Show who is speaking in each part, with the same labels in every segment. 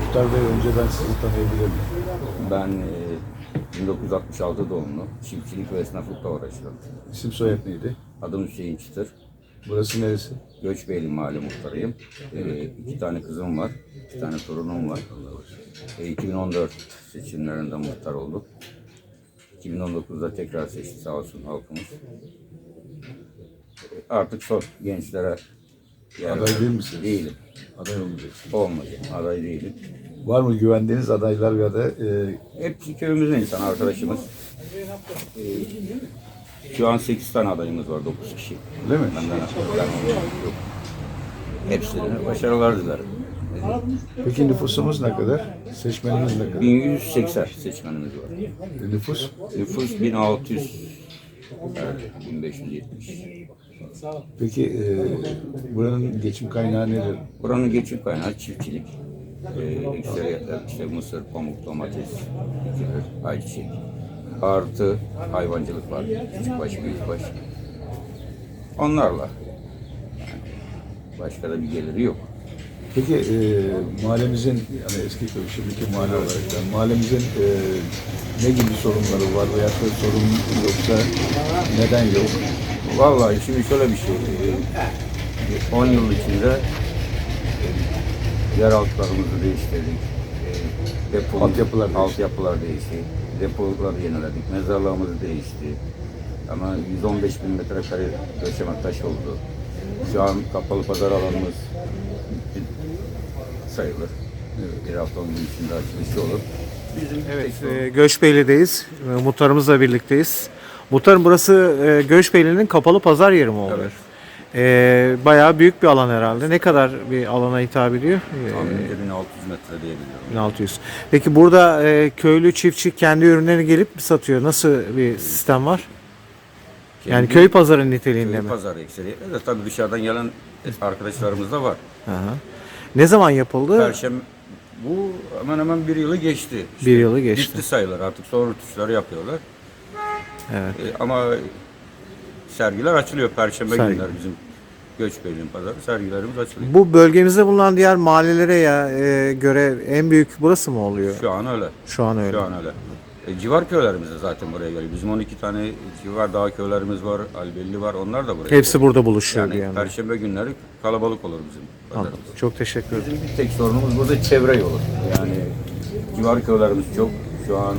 Speaker 1: Muhtar Bey, önce ben sizi tanıyabilir miyim?
Speaker 2: Ben 1966 doğumlu, çiftçilik ve esnaflıkla uğraşıyorum.
Speaker 1: İsim soyad neydi?
Speaker 2: Adım Hüseyin Çıtır.
Speaker 1: Burası neresi?
Speaker 2: Göçbeyli Mahalle muhtarıyım. 2 tane kızım var, 2 tane torunum var. 2014 seçimlerinde muhtar olduk. 2019'da tekrar seçti sağ olsun halkımız. Artık son gençlere
Speaker 1: Aday değil misiniz?
Speaker 2: Değilim.
Speaker 1: Aday olmayacaksınız.
Speaker 2: Olmayacak, aday değilim.
Speaker 1: Var mı güvendiğiniz adaylar ya da
Speaker 2: Hepsi köyümüzün insan arkadaşımız. Şu an 8 tane adayımız var, 9 kişi.
Speaker 1: değil mi?
Speaker 2: Ben yok. Hepsine başarılar dilerim.
Speaker 1: Peki nüfusumuz ne kadar? Seçmenimiz ne kadar?
Speaker 2: 1180 seçmenimiz var.
Speaker 1: Nüfus?
Speaker 2: Nüfus 1600, evet, 1570.
Speaker 1: Peki buranın geçim kaynağı nedir?
Speaker 2: Buranın geçim kaynağı çiftçilik. Ekseriyetler işte mısır, pamuk, domates, bitkilər, ayçiçek. Artı hayvancılık var. Küçükbaş, büyükbaş. Onlarla. Başka da bir geliri yok.
Speaker 1: Peki mahallemizin, yani eski köy, şimdiki mahalle olarak yani mahallemizin ne gibi sorunları var veya da sorun yoksa neden yok?
Speaker 2: Vallahi şimdi şöyle bir şey. 10 yıl içinde yer altlarımızı değiştirdik. Altyapılar değişti. Depoları yeniledik. Mezarlığımız değişti. Ama 115 bin metrekare döşeme taş oldu. Şu an kapalı pazar alanımız bitti sayılır. Bir haftanın içinde açılışı olur.
Speaker 3: Evet, Göçbeyli'deyiz. Muhtarımızla birlikteyiz. Muhtarım, burası Göçbeyli'nin kapalı pazar yeri mi oluyor?
Speaker 2: Evet.
Speaker 3: Bayağı büyük bir alan herhalde. Ne kadar bir alana hitap ediyor?
Speaker 2: Tahminimce 1600 metre diyebiliyorum.
Speaker 3: 1600. Peki burada köylü çiftçi kendi ürünlerini gelip mi satıyor? Nasıl bir sistem var? Yani köy pazarı niteliğinde
Speaker 2: Köy
Speaker 3: mi?
Speaker 2: pazarı ekseriyetle de tabii dışarıdan gelen arkadaşlarımız da var.
Speaker 3: Hı hı. Ne zaman yapıldı?
Speaker 2: Perşembe bu hemen hemen bir yılı geçti.
Speaker 3: Bir yılı geçti.
Speaker 2: Bitti sayılır artık, son rütuşları yapıyorlar.
Speaker 3: Evet.
Speaker 2: Ama sergiler açılıyor Perşembe
Speaker 3: Sergi.
Speaker 2: günleri bizim Göçbeyli'nin pazarı sergilerimiz açılıyor.
Speaker 3: Bu bölgemizde bulunan diğer mahallelere göre en büyük burası mı oluyor?
Speaker 2: Şu an öyle.
Speaker 3: Şu an öyle.
Speaker 2: Şu an öyle. Civar köylerimiz de zaten buraya geliyor. Bizim 12 tane civar dağ köylerimiz var, Albelli var. Onlar da buraya
Speaker 3: Hepsi
Speaker 2: geliyor.
Speaker 3: burada buluşuyor
Speaker 2: Yani
Speaker 3: bir yandan.
Speaker 2: Perşembe günleri kalabalık olur bizim pazarımız.
Speaker 3: Anladım. Çok teşekkür ederim.
Speaker 2: Bizim bir tek sorunumuz burada çevre yolu. Yani civar köylerimiz çok. Şu an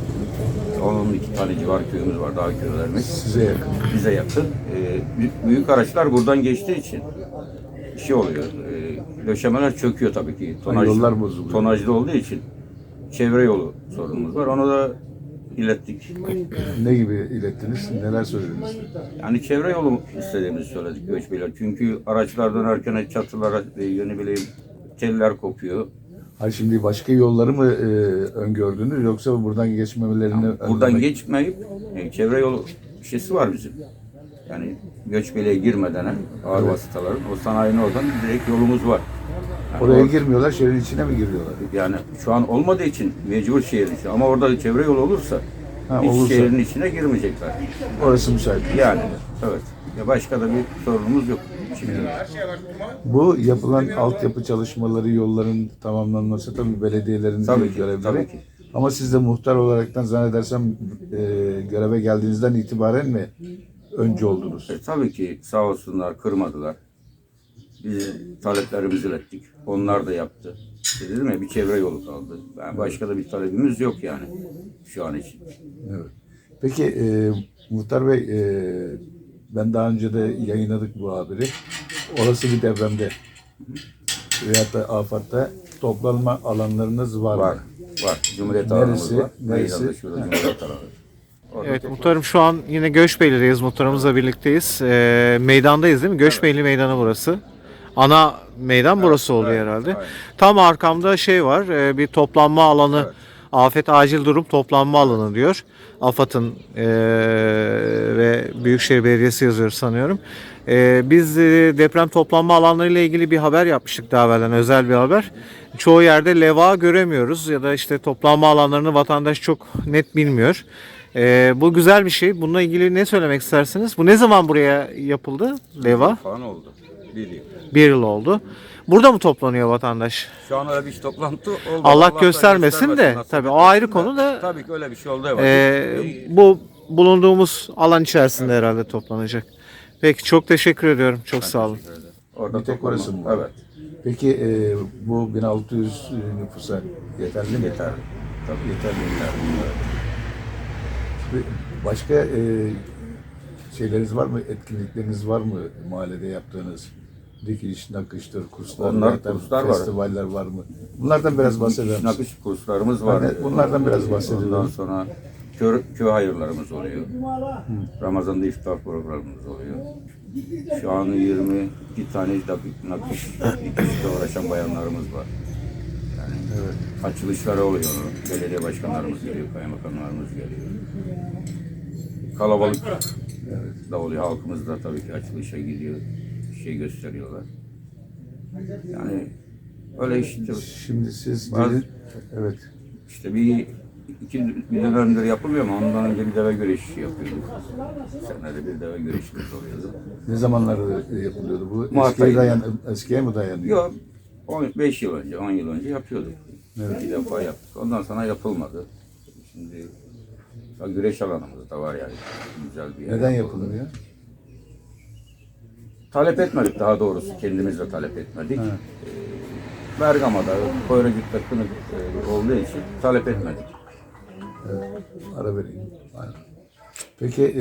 Speaker 2: 12 tane civar köyümüz var, dağ köylerimiz.
Speaker 1: Size yakın.
Speaker 2: Bize yakın. Büyük araçlar buradan geçtiği için şey oluyor. Döşemeler çöküyor tabii ki.
Speaker 1: Yollar bozuluyor.
Speaker 2: Tonajlı olduğu için çevre yolu sorunumuz var. Onu da ilettik.
Speaker 1: Ne gibi ilettiniz? Neler söylediniz?
Speaker 2: Yani çevre yolu istediğimizi söyledik Göçbeyler. Çünkü araçlar dönerken çatılara ne bileyim teller kopuyor.
Speaker 1: Hayır, şimdi başka yolları mı öngördünüz yoksa buradan geçmemelerini
Speaker 2: Buradan
Speaker 1: önlemek-
Speaker 2: geçmeyip çevre yolu şeysi var bizim. Yani Göçbeyli'ye girmeden ağır vasıtaların o sanayinin oradan direkt yolumuz var. Yani
Speaker 1: Oraya girmiyorlar, şehrin içine mi giriyorlar?
Speaker 2: yani şu an olmadığı için mecbur şehrin içine. Ama orada çevre yolu olursa hiç
Speaker 1: olursa.
Speaker 2: şehrin içine girmeyecekler.
Speaker 1: Orası müsait.
Speaker 2: Yani evet. Ya başka da bir sorunumuz yok. Şimdi
Speaker 1: Bu yapılan altyapı çalışmaları, yolların tamamlanması tabii belediyelerin
Speaker 2: Tabii
Speaker 1: bir
Speaker 2: ki,
Speaker 1: görevleri.
Speaker 2: tabii ki.
Speaker 1: Ama siz de muhtar olaraktan zannedersem göreve geldiğinizden itibaren mi önce oldunuz?
Speaker 2: tabii ki sağ olsunlar kırmadılar. Biz taleplerimizi ilettik. Onlar da yaptı. İşte dedim ya bir çevre yolu kaldı. Yani başka da bir talebimiz yok yani şu an için.
Speaker 1: Evet. Peki Muhtar Bey, ben daha önce de yayınladık bu haberi. Olası bir depremde veyahut da afatta toplanma alanlarınız var mı?
Speaker 2: Var. Cumhuriyet
Speaker 1: Neresi?
Speaker 2: alanımız var.
Speaker 1: Neresi?
Speaker 2: Meydanda şurada Cumhuriyet alanı. Orada
Speaker 3: Evet
Speaker 2: tek-
Speaker 3: muhtarım, şu an yine Göçbeyli'deyiz. Muhtarımızla birlikteyiz. Meydandayız değil mi? Göçbeyli Meydanı burası. Ana meydan burası oluyor herhalde.
Speaker 2: aynen.
Speaker 3: Tam arkamda şey var. Bir toplanma alanı.
Speaker 2: Evet.
Speaker 3: Afet Acil Durum Toplanma Alanı diyor. AFAD'ın ve Büyükşehir Belediyesi yazıyor sanıyorum. Biz deprem toplanma alanları ile ilgili bir haber yapmıştık daha evvelden, özel bir haber. Çoğu yerde levha göremiyoruz ya da işte toplanma alanlarını vatandaş çok net bilmiyor. Bu güzel bir şey. Bununla ilgili ne söylemek istersiniz? Bu ne zaman buraya yapıldı levha?
Speaker 2: falan oldu. Bir yıl.
Speaker 3: Bir yıl oldu. Burada mı toplanıyor vatandaş?
Speaker 2: Şu an öyle bir toplantı oldu.
Speaker 3: Allah göstermesin de,
Speaker 2: nasip
Speaker 3: tabii o
Speaker 2: etmesin
Speaker 3: ayrı
Speaker 2: de.
Speaker 3: konu da-
Speaker 2: Tabii ki öyle bir şey oldu. Evet.
Speaker 3: Bu bulunduğumuz alan içerisinde herhalde toplanacak. Peki çok teşekkür ediyorum. Çok sağ olun.
Speaker 2: Orada
Speaker 1: Bir tek
Speaker 2: toplama-
Speaker 1: orası mı var?
Speaker 2: Evet.
Speaker 1: Peki bu 1600 nüfusa yeterli mi?
Speaker 2: Yeterli. Tabii
Speaker 1: Yeterli.
Speaker 2: yeterli.
Speaker 1: Başka şeyleriniz var mı? Etkinlikleriniz var mı mahallede yaptığınız? Dikiş, nakıştır, kurslar,
Speaker 2: Onlar
Speaker 1: veyahut da
Speaker 2: kurslar var.
Speaker 1: festivaller var mı? Bunlardan biraz bahseder misiniz?
Speaker 2: Nakış kurslarımız var.
Speaker 1: Yani bunlardan biraz bahsedelim.
Speaker 2: Ondan sonra köy hayırlarımız oluyor. Ramazan'da iftar programımız oluyor. Şu an 22 tane nakış dikişle uğraşan bayanlarımız var. Yani açılışları oluyor. Belediye başkanlarımız geliyor, kaymakamlarımız geliyor. Kalabalık da oluyor. Halkımız da tabii ki açılışa gidiyor. Şey gösteriyorlar. Yani öyle işte.
Speaker 1: Şimdi siz
Speaker 2: Bazı-
Speaker 1: gelin, evet.
Speaker 2: İşte bir dönemdir yapılmıyor ama ondan önce bir deve güreşi yapıyorduk. Senede bir deve güreşimiz oluyordu.
Speaker 1: Ne zamanlarda yapılıyordu bu?
Speaker 2: Mart
Speaker 1: Eskiye mi dayanıyor?
Speaker 2: Yok, 5 yıl önce, 10 yıl önce yapıyorduk. Bir defa yaptık. Ondan sonra yapılmadı. Şimdi güreş alanımız da var yani. Güzel bir yer.
Speaker 1: Neden yapılmıyor?
Speaker 2: Talep etmedik daha doğrusu. Kendimiz de talep etmedik. Bergama'da, Koyracık'ta kınık olduğu için talep etmedik.
Speaker 1: Ara vereyim. Aynen. Peki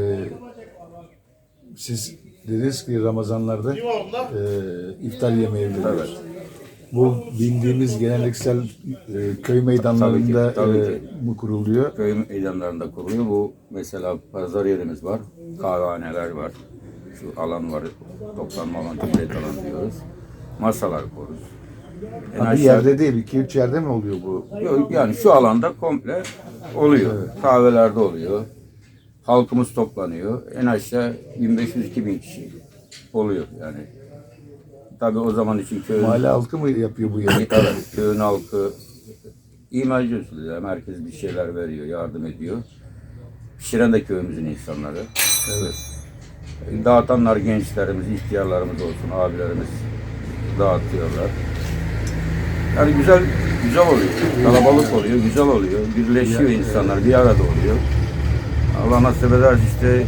Speaker 1: siz dediniz ki Ramazanlarda iftar yemeği veriyoruz.
Speaker 2: Evet.
Speaker 1: Bu bildiğimiz geleneksel köy meydanlarında
Speaker 2: Tabii ki.
Speaker 1: mı kuruluyor?
Speaker 2: Köy meydanlarında kuruluyor. Bu mesela pazar yerimiz var, kahvehaneler var, şu alan var, toplanma alan, tüplet alan diyoruz. Masalar kururuz.
Speaker 1: Ha, bir yerde değil, 2-3 yerde mi oluyor bu?
Speaker 2: Yani şu alanda komple oluyor. Kahvelerde oluyor. Halkımız toplanıyor. En aşağı 1500-2000 kişi oluyor yani. Tabii o zaman için köy...
Speaker 1: Mahalle halkı mı yapıyor bu yemeği?
Speaker 2: Evet, köyün halkı imalci usulü. Yani herkes bir şeyler veriyor, yardım ediyor. Pişiren de köyümüzün insanları.
Speaker 1: Evet.
Speaker 2: Dağıtanlar gençlerimiz, ihtiyarlarımız olsun, abilerimiz dağıtıyorlar. Yani güzel oluyor. Kalabalık oluyor, güzel oluyor. Birleşiyor insanlar, bir arada oluyor. Allah nasip eder işte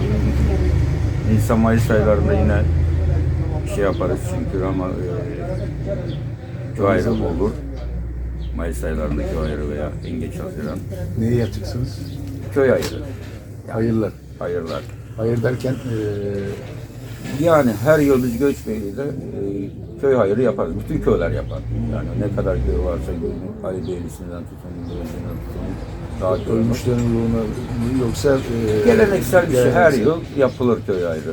Speaker 2: Nisan Mayıs aylarında yine şey yaparız çünkü ama köy ayrı olur. Mayıs aylarında köy ayrı veya en geç Haziran.
Speaker 1: Neyi yapacaksınız?
Speaker 2: Köy ayrı.
Speaker 1: Hayırlar.
Speaker 2: Hayırlar.
Speaker 1: Hayır derken
Speaker 2: Yani her yıl biz Göçbeyli'de köy hayırı yaparız. Bütün köyler yapar. Yani ne kadar köy varsa Ali Beylisi'nden tutun, Gözü'nden tutun, daha köy var.
Speaker 1: ölmüşlerin ruhuna mı yoksa
Speaker 2: Geleneksel bir şey her yıl yapılır köy ayrı.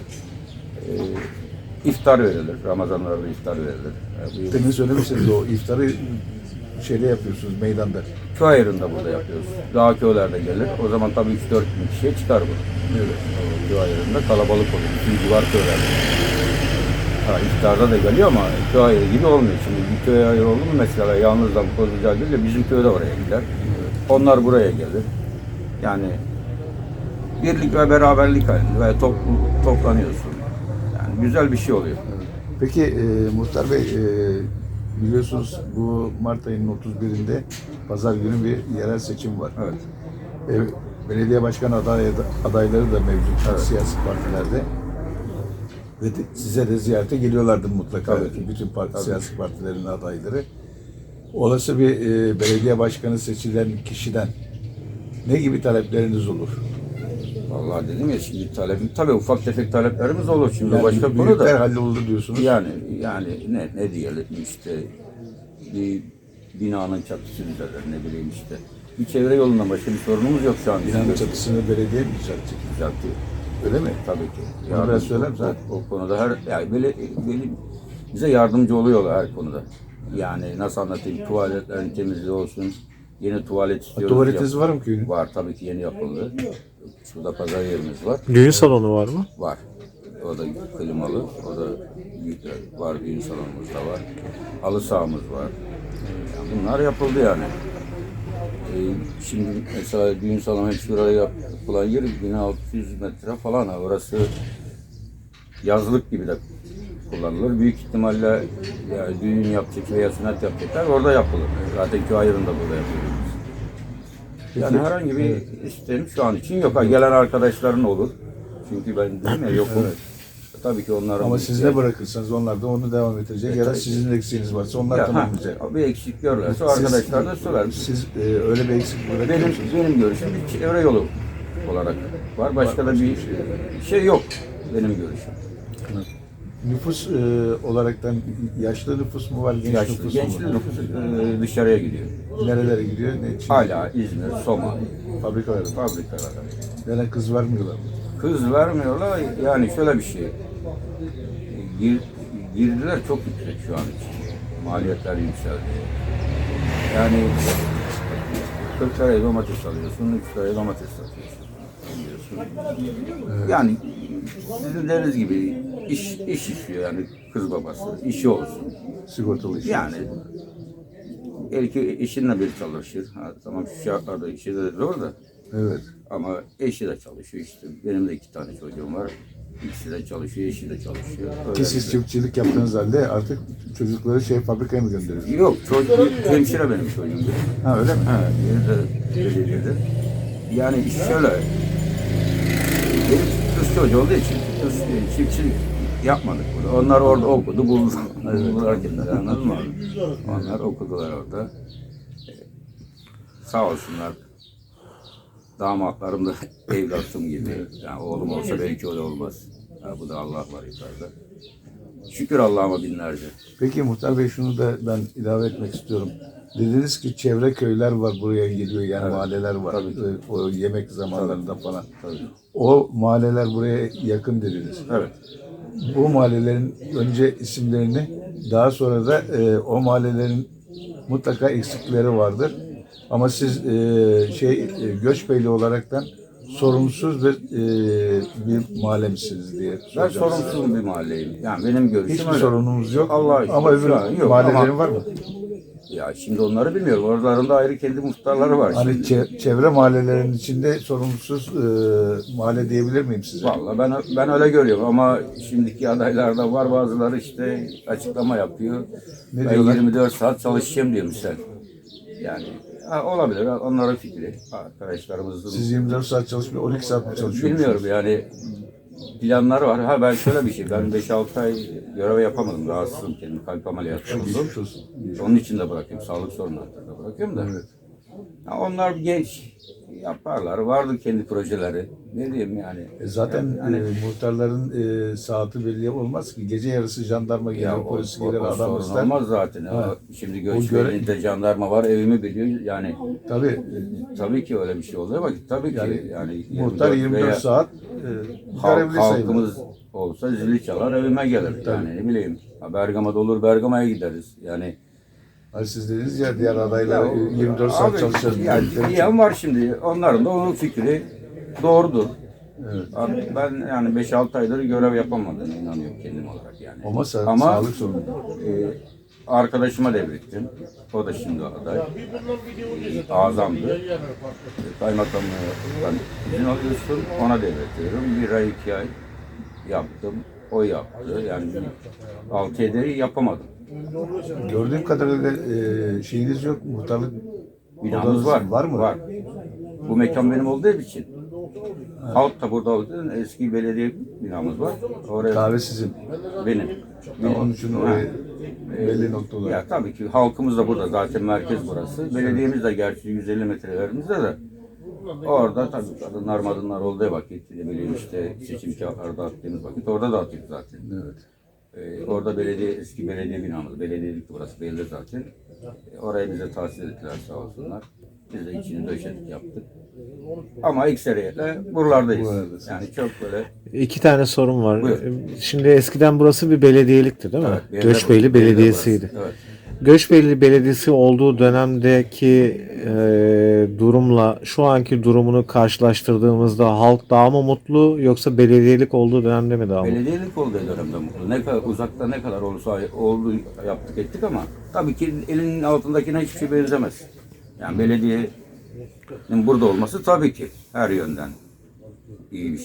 Speaker 2: İftar verilir. Ramazanlarda iftar verilir. Yani
Speaker 1: Demin söylemişsiniz o iftarı şeyde yapıyorsunuz meydanda.
Speaker 2: köy ayrında burada yapıyoruz. Daha köylerde gelir. O zaman tabii 3-4 bin kişiye çıkar bu.
Speaker 1: Evet.
Speaker 2: Köy ayrında kalabalık olur. Bütün civar köylerde. Ha, iftarda da geliyor ama köy ayrı gibi olmuyor. Şimdi bir köy ayrı oldu mu mesela yalnızdan Kozluca değil de bizim köy de oraya gider. Onlar buraya gelir. Yani birlik ve beraberlik halinde ve toplanıyorsun. Yani güzel bir şey oluyor.
Speaker 1: Peki Muhtar Bey biliyorsunuz bu Mart ayının 31'inde Pazar günü bir yerel seçim var.
Speaker 2: Evet.
Speaker 1: Belediye başkan adayları da mevcut siyasi partilerde. Ve size de ziyarete geliyorlardı mutlaka.
Speaker 2: Tabii ki.
Speaker 1: Bütün siyasi partilerin adayları. Olası bir belediye başkanı seçilen kişiden ne gibi talepleriniz olur?
Speaker 2: Vallahi dedim ya şimdi tabii ufak tefek taleplerimiz olur şimdi
Speaker 1: Yani
Speaker 2: başka konu
Speaker 1: büyükler
Speaker 2: da.
Speaker 1: hallolur diyorsunuz.
Speaker 2: Yani ne diyelim işte bir binanın çatısı düzelir ne bileyim işte. Bir çevre yolundan başka bir sorunumuz yok şu an.
Speaker 1: Binanın çatısını belediye mi düzeltecek?
Speaker 2: Düzeltiyor.
Speaker 1: Öyle mi?
Speaker 2: Tabii ki.
Speaker 1: Bunu biraz söyler misin?
Speaker 2: O konuda yani böyle bize yardımcı oluyorlar her konuda. Yani nasıl anlatayım tuvaletlerin temizliği olsun. Yeni tuvalet istiyoruz.
Speaker 1: Tuvaletiniz var mı köyün?
Speaker 2: Var tabii ki yeni yapıldı. Şurada pazar yerimiz var.
Speaker 3: Düğün salonu var mı?
Speaker 2: Var. O da klimalı. O da büyük var. Düğün salonumuz da var. Halı sahamız var. Yani bunlar yapıldı yani. Şimdi mesela düğün salonu hep şuraya yapılan yer 1600 metre falan. Orası yazlık gibi de kullanılır. Büyük ihtimalle yani düğün yapacak veya sünnet yapacaklar orada yapılır. Zaten köy ayrında burada yapıyoruz. Yani herhangi bir isteğim şu an için yok. Ha, gelen arkadaşların olur. Çünkü ben dedim ya yokum. Tabii ki onların...
Speaker 1: Ama siz ne bırakırsanız onlar da onu devam edecek. Ya da sizin eksiğiniz varsa onlar tamamlayacak.
Speaker 2: Bir eksik görürlerse o arkadaşlar da söyler.
Speaker 1: Siz öyle bir eksik bırakıyor musunuz?
Speaker 2: Benim görüşüm bir çevre yolu olarak var. Başka da bir şey yok benim görüşüm.
Speaker 1: Nüfus olaraktan yaşlı nüfus mu var, genç nüfus mu
Speaker 2: Gençli
Speaker 1: var?
Speaker 2: nüfus dışarıya gidiyor.
Speaker 1: Nerelere gidiyor? Ne için?
Speaker 2: Hala İzmir, Soma,
Speaker 1: Fabrikalara.
Speaker 2: fabrikalara.
Speaker 1: Neden kız vermiyorlar?
Speaker 2: Kız vermiyorlar. Yani şöyle bir şey. Girdiler çok yüksek şu an için. Maliyetler yükseldi. Yani 40 liraya domates alıyorsun, 3 liraya domates satıyorsun. Yani sizin dediğiniz gibi iş işiyor yani kız babası. İşi olsun.
Speaker 1: Sigortalı iş.
Speaker 2: Yani belki eşinle bir çalışır. Ha, tamam şu şartlarda işi de zor da.
Speaker 1: Evet.
Speaker 2: Ama eşi de çalışıyor işte. Benim de 2 tane çocuğum var. İkisi de çalışıyor, eşi de çalışıyor.
Speaker 1: Ki siz çiftçilik yaptığınız halde artık çocukları fabrikaya mı gönderiyorsunuz?
Speaker 2: Yok, çocuk hemşire benim çocuğum.
Speaker 1: Ha öyle mi?
Speaker 2: Ha, belediyede. Yani iş şöyle. Benim kız çocuğu olduğu için kız çiftçilik yapmadık burada. Onlar orada okudu, buldular kendileri, anladın mı? Onlar okudular orada. Sağ olsunlar. Damatlarım da evlatım gibi. Yani oğlum olsa belki öyle olmaz. Ya bu da Allah var yukarıda. Şükür Allah'ıma binlerce.
Speaker 1: Peki Muhtar Bey şunu da ben ilave etmek istiyorum. Dediniz ki çevre köyler var buraya geliyor yani mahalleler var.
Speaker 2: Tabii.
Speaker 1: O yemek zamanlarında falan.
Speaker 2: Tabii.
Speaker 1: O mahalleler buraya yakın dediniz.
Speaker 2: Evet.
Speaker 1: Bu mahallelerin önce isimlerini daha sonra da o mahallelerin mutlaka eksikleri vardır. Ama siz Göçbeyli olaraktan sorumsuz bir mahalle misiniz diye
Speaker 2: Ben
Speaker 1: soracağım.
Speaker 2: sorumsuz bir mahalleyim. Yani benim görüşüm
Speaker 1: Hiçbir
Speaker 2: öyle.
Speaker 1: sorunumuz yok.
Speaker 2: Allah'a şükür.
Speaker 1: Ama öbür
Speaker 2: Şu an yok.
Speaker 1: mahallelerin
Speaker 2: Ama-
Speaker 1: var mı?
Speaker 2: Ya şimdi onları bilmiyorum. Oralarında ayrı kendi muhtarları var
Speaker 1: Hani
Speaker 2: şimdi.
Speaker 1: çevre mahallelerin içinde sorumsuz mahalle diyebilir miyim size?
Speaker 2: Vallahi ben öyle görüyorum ama şimdiki adaylarda var bazıları işte açıklama yapıyor.
Speaker 1: Ne
Speaker 2: Ben
Speaker 1: diyorlar?
Speaker 2: 24 saat çalışacağım diyor misal. Yani olabilir onların fikri. Arkadaşlarımızın
Speaker 1: Siz 24 saat çalışmıyor, 12 saat mi çalışıyorsunuz?
Speaker 2: bilmiyorum yani planları var. Ha ben şöyle bir şey. Ben 5-6 ay görev yapamadım. Rahatsızım kendim. Kalp ameliyatı oldum.
Speaker 1: Geçmiş olsun.
Speaker 2: Onun için de bırakayım. Sağlık sorunlarını da bırakıyorum da.
Speaker 1: Evet.
Speaker 2: Ya onlar genç yaparlar. Vardı kendi projeleri. Ne diyeyim yani.
Speaker 1: Zaten
Speaker 2: Yani-
Speaker 1: muhtarların saati belli olmaz ki. Gece yarısı jandarma gelir, polis gelir,
Speaker 2: o
Speaker 1: adam
Speaker 2: sorun
Speaker 1: ister.
Speaker 2: olmaz zaten.
Speaker 1: Ha.
Speaker 2: Şimdi
Speaker 1: göre-
Speaker 2: Göçbeyli'nde jandarma var. Evimi biliyor. Yani
Speaker 1: Tabii
Speaker 2: tabii ki öyle bir şey oluyor ama tabii ki yani
Speaker 1: muhtar 24
Speaker 2: veya
Speaker 1: saat görevli sayılır.
Speaker 2: halkımız olsa zili çalar evime gelir. Yani ne bileyim. Ha, Bergama'da olur Bergama'ya gideriz. Yani
Speaker 1: Hani siz dediniz ya diğer adaylar 24 saat
Speaker 2: abi,
Speaker 1: çalışacağız.
Speaker 2: Yani diyen var şimdi. Onların da onun fikri doğrudur.
Speaker 1: Evet.
Speaker 2: Abi ben yani 5-6 aydır görev yapamadığına inanıyorum kendim olarak yani.
Speaker 1: Ama,
Speaker 2: Ama
Speaker 1: sağlık sorunu.
Speaker 2: arkadaşıma devrettim. O da şimdi aday. Azamdı. Kaymakamlıktan izin alıyorsun, ona devretiyorum. 1 ay 2 ay yaptım. O yaptı. Yani 6-7 yapamadım.
Speaker 1: Gördüğüm kadarıyla şeyiniz yok, muhtarlık
Speaker 2: Binamız
Speaker 1: odanız
Speaker 2: var.
Speaker 1: var mı?
Speaker 2: Var. Bu mekan benim olduğu için. Halk da burada olduğu eski belediye binamız var. Oraya
Speaker 1: Kahve sizin.
Speaker 2: benim.
Speaker 1: Onun için oraya belli noktalar.
Speaker 2: Ya tabii ki halkımız da burada zaten merkez burası. Belediyemiz de gerçi 150 metrelerimizde de orada tabii kadınlar madınlar olduğu vakit ne bileyim işte seçim kağıtları dağıttığımız vakit orada dağıtıyoruz zaten.
Speaker 1: Evet.
Speaker 2: Orada eski belediye binamız, belediyelikti burası belli zaten. Oraya bize tahsis ettiler sağ olsunlar. Biz de içini döşedik yaptık. Ama ekseriyetle buralardayız.
Speaker 1: Buralardasınız.
Speaker 2: Yani çok böyle
Speaker 3: 2 tane sorum var.
Speaker 2: Buyur.
Speaker 3: Şimdi eskiden burası bir belediyelikti değil mi?
Speaker 2: Evet,
Speaker 3: Göçbeyli Belediyesi'ydi.
Speaker 2: Evet.
Speaker 3: Göçbeyli Belediyesi olduğu dönemdeki durumla şu anki durumunu karşılaştırdığımızda halk daha mı mutlu yoksa belediyelik olduğu dönemde mi daha mutlu?
Speaker 2: Belediyelik olduğu dönemde mutlu. Ne kadar uzakta ne kadar olursa oldu yaptık ettik ama tabii ki elinin altındakine hiçbir şey benzemez. Yani belediyenin burada olması tabii ki her yönden iyi bir şey.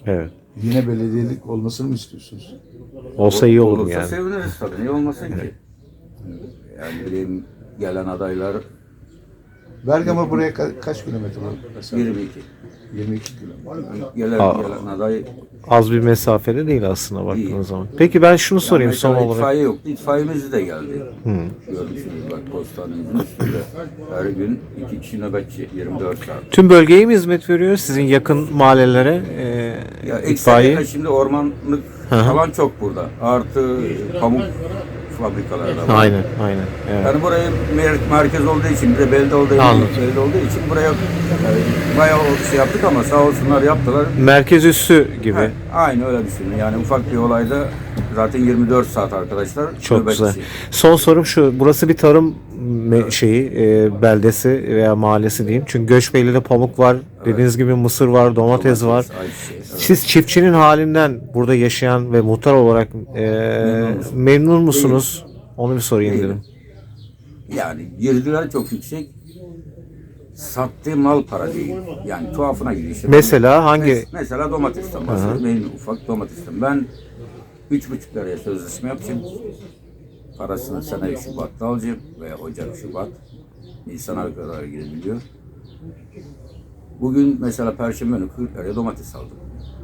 Speaker 3: Evet.
Speaker 1: Yine belediyelik olmasını mı istiyorsunuz?
Speaker 3: Olsa iyi olur
Speaker 2: Olursa
Speaker 3: yani.
Speaker 2: seviniriz tabii. Niye olmasın ki? Yani bileyim, gelen adaylar
Speaker 1: Bergama buraya kaç kilometre mesela?
Speaker 2: 22.
Speaker 1: 22 kilometre.
Speaker 2: Gelen aday
Speaker 3: Az bir mesafede değil aslında baktığınız
Speaker 2: Değil.
Speaker 3: zaman. Peki ben şunu sorayım son
Speaker 2: mesela
Speaker 3: olarak.
Speaker 2: itfaiye yoktu. İtfaiyemiz de geldi. Görmüşsünüz bak postanemizin üstünde. Her gün 2 kişi nöbetçi 24 saat.
Speaker 3: Tüm bölgeye mi hizmet veriyor? Sizin yakın mahallelere
Speaker 2: Ya
Speaker 3: itfaiye?
Speaker 2: ekseriyetle şimdi ormanlık alan çok burada. Artı pamuk fabrikaları da var.
Speaker 3: Aynen, aynen. Evet.
Speaker 2: Yani burayı merkez olduğu için, bir de belde olduğu için buraya bayağı şey yaptık ama sağ olsunlar yaptılar.
Speaker 3: Merkez üssü gibi.
Speaker 2: Ha, aynı öyle düşünün. Yani ufak bir olayda zaten 24 saat arkadaşlar.
Speaker 3: Çok
Speaker 2: nöbetçi.
Speaker 3: güzel. Son sorum şu. Burası bir tarım beldesi veya mahallesi diyeyim. Çünkü Göçbeyli'de pamuk var. Dediğiniz gibi mısır var, domates var.
Speaker 2: ayçiçeği, evet.
Speaker 3: Siz çiftçinin halinden burada yaşayan ve muhtar olarak memnun musunuz? Onu bir sorayım
Speaker 2: Değilim.
Speaker 3: dedim.
Speaker 2: Yani girdiler çok yüksek. Sattığı mal para değil. Yani tuhafına gidiyor işte.
Speaker 3: Mesela hangi?
Speaker 2: Mesela domatesten bahsediyorum. Benim ufak domatesten. Ben 3,5 liraya sözleşme yapacağım. Parasını sene Şubat'ta alacağım veya Ocak, Şubat. Nisan'a kadar gidebiliyor. Bugün mesela Perşembe günü 40 liraya domates aldım.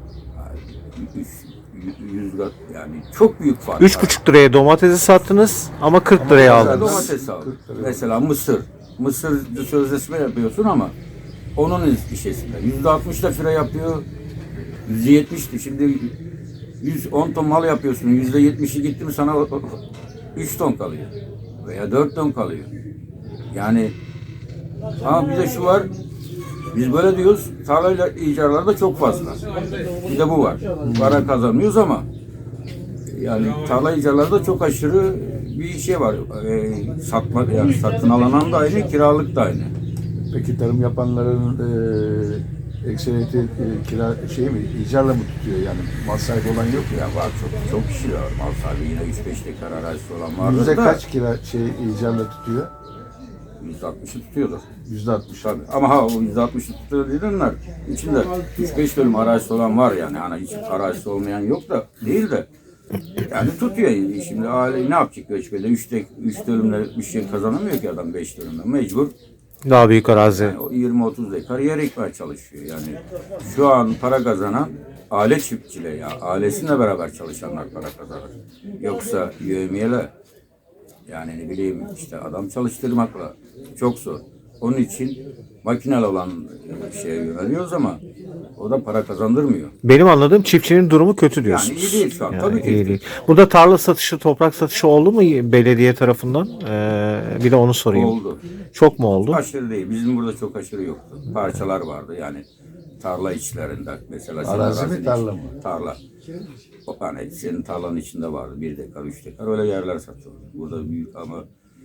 Speaker 2: Yani 100 yani çok büyük fark var.
Speaker 3: 3,5 liraya domatesi sattınız ama 40 liraya
Speaker 2: Mesela
Speaker 3: aldınız.
Speaker 2: domates aldım. Mesela mısır. Mısır sözleşme yapıyorsun ama onun işesinde. %60 da fire yapıyor. %70'ti. Şimdi 110 ton mal yapıyorsun. %70'i gitti mi sana 3 ton kalıyor. Veya 4 ton kalıyor. Yani ama bir de şu var. Biz böyle diyoruz. Tarlayla icarlar da çok fazla. Bir de bu var. Para kazanmıyoruz ama yani tarla icarlarda çok aşırı bir şey var. Satma, yani satın alınan da aynı, kiralık da aynı.
Speaker 1: Peki tarım yapanların ekseriyeti kira icarla mı tutuyor yani mal sahibi olan yok mu?
Speaker 2: Ya var çok kişi var. Mal sahibi yine 3-5 dekar arazisi olan vardır
Speaker 1: Yüzde
Speaker 2: da
Speaker 1: kaç icarla tutuyor?
Speaker 2: %60'ı tutuyordur.
Speaker 1: %60.
Speaker 2: Tabii. Ama o %60'ı tutuyor diyenler içinde 3-5 dönüm arazisi olan var yani. Hani hiç arazisi olmayan yok da değil de. Yani tutuyor. Şimdi aile ne yapacak göçmede? 3 dönümle bir şey kazanamıyor ki adam 5 dönümle. Mecbur
Speaker 3: Daha büyük arazi.
Speaker 2: yani o 20-30 dekar yer ekmeye çalışıyor. Yani şu an para kazanan aile çiftçiyle ya ailesiyle beraber çalışanlar para kazanır. Yoksa yevmiyeler yani ne bileyim işte adam çalıştırmakla çok zor. Onun için makinel olan şeye yöneliyoruz ama o da para kazandırmıyor.
Speaker 3: Benim anladığım çiftçinin durumu kötü diyorsunuz.
Speaker 2: Yani iyi değil şu an, tabii ki.
Speaker 3: iyi değil. Burada tarla satışı, toprak satışı oldu mu belediye tarafından? Bir de onu sorayım.
Speaker 2: Oldu.
Speaker 3: Çok mu oldu?
Speaker 2: Aşırı değil. Bizim burada çok aşırı yoktu. Parçalar vardı yani tarla içlerinde. Mesela senin
Speaker 1: Arazi mi,
Speaker 2: arazinin
Speaker 1: tarla
Speaker 2: içi-
Speaker 1: mı?
Speaker 2: Tarla. O hani senin tarlanın içinde vardı. 1 dekar, 3 dekar öyle yerler satıldı. Burada büyük ama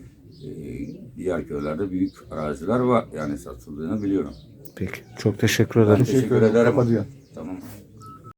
Speaker 2: diğer köylerde büyük araziler var. Yani satıldığını biliyorum.
Speaker 3: Peki. Çok teşekkür
Speaker 2: Ben
Speaker 3: ederim.
Speaker 2: teşekkür ederim.
Speaker 1: Kapatıyorum.
Speaker 2: Tamam.